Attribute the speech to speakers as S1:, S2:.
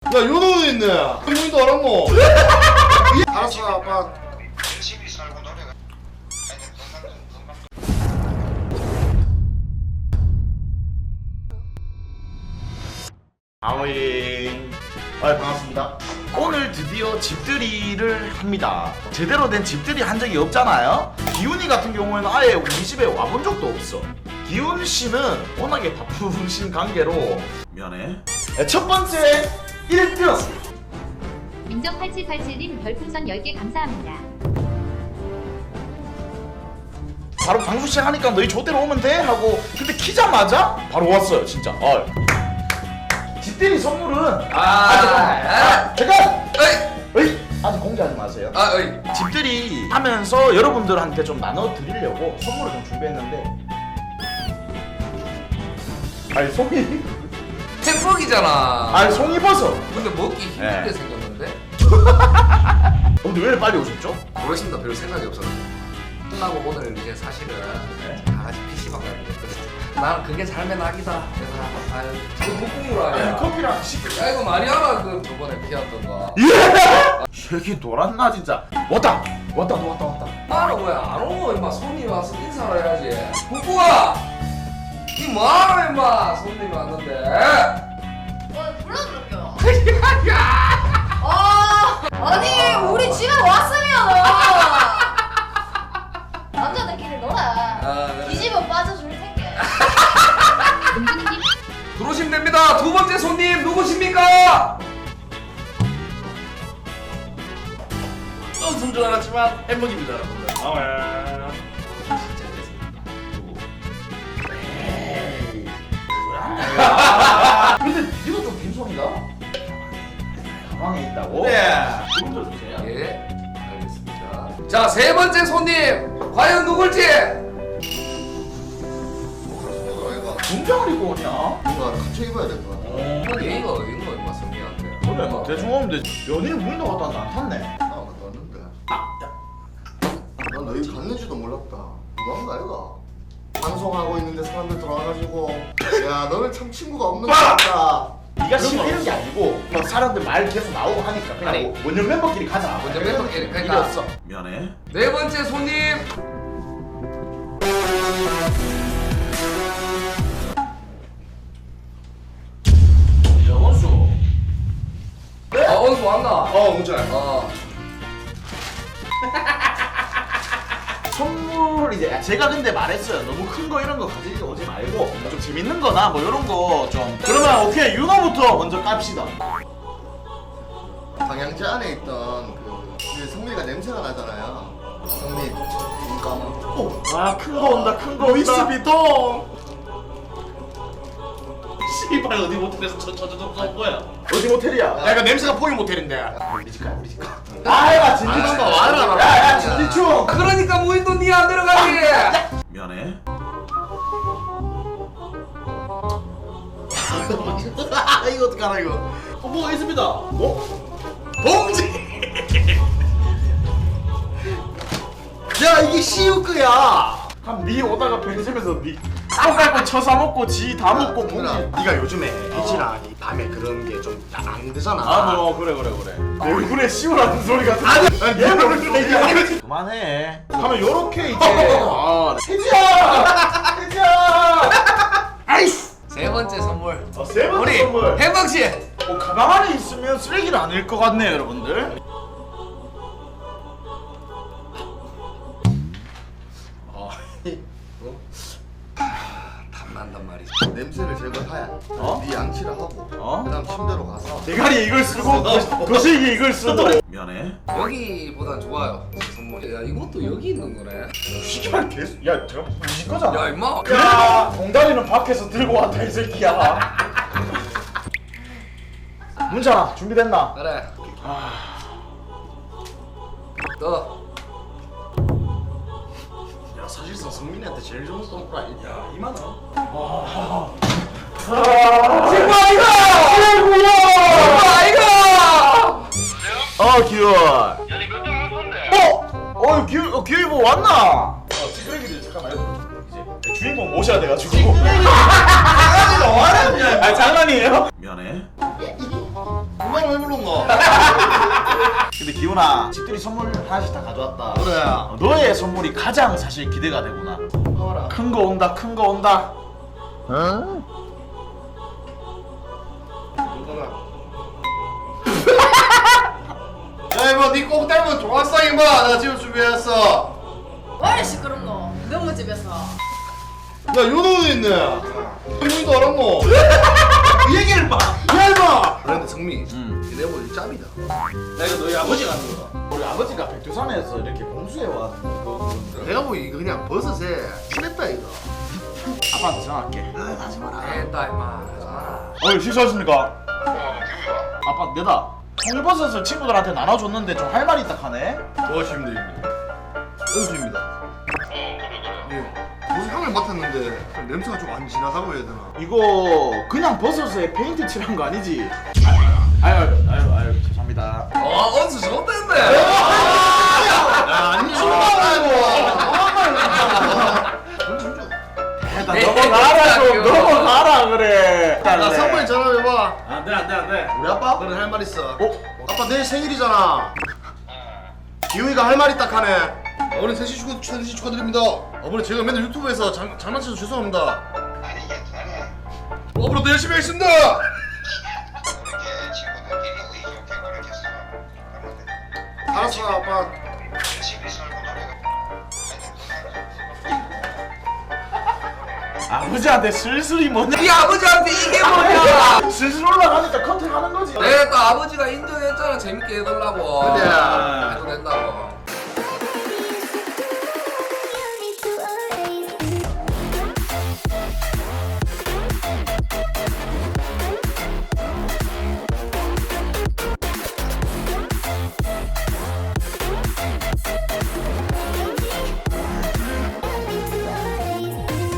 S1: 요놈도 있네. 형님도 알았노?
S2: 알았어 아빠.
S3: 열심히 살고 노래가
S1: 아오잉. 반갑습니다. 오늘 드디어 집들이를 합니다. 제대로 된 집들이 한 적이 없잖아요. 기훈이 같은 경우에는 아예 우리 집에 와본 적도 없어. 기훈 씨는 워낙에 바쁘신 관계로 미안해. 첫 번째 1등.
S4: 민정8787님 별풍선 10개 감사합니다.
S1: 바로 방송 시작하니까 너희 조대로 오면 돼? 하고 근데 키자마자 바로 왔어요 진짜. 집들이 선물은 잠깐! 아직 공개하지 마세요. 집들이 하면서 여러분들한테 좀 나눠드리려고 선물을 좀 준비했는데 아니 송이
S5: 햄버기잖아.
S1: 송이버섯.
S5: 근데 먹기 힘들게
S1: 네.
S5: 생겼는데?
S1: 근데 왜 빨리 오셨죠?
S5: 모르겠습니다. 별 생각이 없어서. 끝나고 오늘 이제 사실은 다 같이 PC방 가야 되거든. 나는 그게 삶의 낙이다. 내가 아유 지금 국국물 아니야.
S1: 커피랑 시크.
S5: 야 이거 말이야 그 저번에 피웠던 거.
S1: 새끼 돌았나 진짜. 왔다.
S5: 나는 왜 안 오고 임마 손님이 와서 인사를 해야지. 국국아! 니 뭐하러 임마 손님이 왔는데.
S6: 불러드릴게요. 아니 우리 집에 왔으면 남자들끼리 놀아.
S5: 그래.
S6: 뒤집어 빠져줄 텐게.
S4: 은근님
S5: 들어오시면 됩니다. 두 번째 손님 누구십니까?
S1: 웃음 줄 알았지만 햄버거입니다 여러분들. 근데 니도 좀 빈손이다? 가방에 있다고? 네. 좀 들어주세요.
S5: 예, 알겠습니다. 자, 세 번째 손님 과연 누굴지?
S1: 군장을 입고 오냐?
S2: 뭔가 갖춰 입어야 될 것 같아.
S5: 이거 임마 성민한테.
S1: 그래 뭐 대충 오면 돼. 연예인 무인도 갔다 왔는데 안 탔네.
S2: 나 갔다 왔는데. 난 너희 갔는지도 몰랐다. 누가 한 거 아이가? 방송하고 있는데 사람들 들어와가지고 야 너는 참 친구가 없는 거 같다.
S1: 네가 싫어하는 게 아니고 막 사람들 말 계속 나오고 하니까 그냥
S5: 아니.
S1: 원년 멤버끼리 가자.
S5: 원년 멤버끼리, 그러니까.
S1: 이랬어. 미안해.
S5: 네 번째 손님.
S1: 원수.
S5: 원수 왔나?
S2: 문제.
S1: 선물 이제 제가 근데 말했어요. 너무 큰 거 이런 거 가지고 오지 말고 좀 재밌는 거나 뭐 이런 거 좀. 그러면 오케이 윤호부터 먼저 깝시다.
S2: 방향제 안에 있던 그 성민이가 냄새가 나잖아요. 성민 눈 감아.
S1: 큰 거 온다. 큰 거 온다. 위스비통. 씨발 어디 모텔에서 저저저저 쏜 거야? 어디 모텔이야?
S2: 야 이거 냄새가 포유 모텔인데.
S1: 우리 집 가. 아야 진지충. 야야 진지충.
S5: 그러니까 무인도 니 안 들어가지.
S1: 미안해. 이거 어떡하나 이거. 뭐가 있습니다. 봉지. 야 이게 시우크야. 그럼 니 오다가 편의점에서 니 쌀갈고 쳐사 먹고 지 다 먹고 봉지.
S2: 네가 요즘에 해지랑 이 밤에 그런 게 좀 안 되잖아.
S1: 뭐 그래. 내 얼굴에 시우라는 소리가 아니 얘는 그만해. 하면 요렇게 이제 해지야. 아이씨.
S5: 세 번째 선물.
S1: 세 번째
S5: 우리
S1: 선물.
S5: 햄버거 씨.
S1: 가방 안에 있으면 쓰레기는 아닐 것 같네요, 여러분들.
S5: 탐난단 말이지.
S2: 냄새를 제거해. 네 양치를 하고
S1: 어?
S2: 그다음 침대로 가서
S1: 대가리에 이걸 쓰고 거시기에 이걸 쓰고. 미안해.
S5: 여기보단 좋아요. 제 선물이. 야 이것도 여기 있는 거네.
S1: 시키면 계속. 야, 제가 무시 거잖아.
S5: 야 임마.
S1: 야, 봉다리는 밖에서 들고 왔다 이 새끼야. 문찬아, 준비됐나?
S5: 그래. 너.
S2: 야 사실상 성민이한테 제일 좋은 선물 아니야? 2만 원.
S1: 친구 아이가! 기훈.
S3: 연이 그때 안 건데
S1: 기훈이 뭐 왔나? 찌끄레기들 잠깐만 이제 주인공 오셔야 돼가지고. 아 장난이에요? 미안해.
S2: 그만 왜 부른 거?
S1: 근데 기훈아, 집들이 선물 하나씩 다 가져왔다.
S2: 그래.
S1: 너의 선물이 가장 사실 기대가 되구나.
S2: 봐라.
S1: 큰 거 온다, 큰 거 온다.
S2: 야 이거 니꼭 닮은 종합상 임마. 나 지금 준비했어.
S6: 왜 시끄럽 너? 너무 집에서.
S2: 야 요놈도 있네. 이놈도 알았노.
S1: 이 얘기를 봐.
S2: 야 임마. 그런데 성미.
S1: 응.
S2: 내 머리 짭이다.
S1: 나 이거 너희 아버지가 하는 거다. 우리 아버지가 백두산에서 이렇게 공수해 왔는 거.
S2: 내가 보기 이거 그냥 버섯에 친했다 이거.
S1: 아빠한테 전화할게.
S2: 하지 마라.
S5: 됐다 임마 하지 마라.
S1: 어이 실수하십니까?
S3: 기우야.
S1: 아빠 내다. 통일버섯을 친구들한테 나눠줬는데 좀 할 말이 있다 하네.
S2: 도와주십니다 형님. 은수입니다. 예. 무슨 향을 맡았는데 냄새가 좀 안 진하다고 해야 되나?
S1: 이거 그냥 버섯에 페인트 칠한 거 아니지? 아유 죄송합니다.
S5: 언수 좋댔네.
S2: 아니
S1: 나 넘어가라 좀 넘어가라 그래.
S2: 나 상무에 전화해봐.
S1: 안돼.
S2: 우리 아빠? 그래 할 말 있어.
S1: 어?
S2: 아빠 내일 생일이잖아. 기우이가 할 말이 딱 하네. 어머니 생신 축하드립니다. 어머니 제가 맨날 유튜브에서 장난쳐서 죄송합니다.
S3: 아니 괜찮아.
S2: 앞으로도 열심히 하겠습니다.
S3: 그렇게 친구들끼리 의좋게 그렇게 살면 돼.
S2: 알았어 아빠.
S3: 열심히 살고 노래가.
S1: 아버지한테 슬슬이 뭐냐?
S5: 네 아버지한테 이게 뭐냐?
S1: 슬슬 올라가니까 컨택하는 거지.
S5: 내가 또 아버지가 인정했잖아 재밌게 해달라고.
S2: 그래.
S5: 해도 된다고.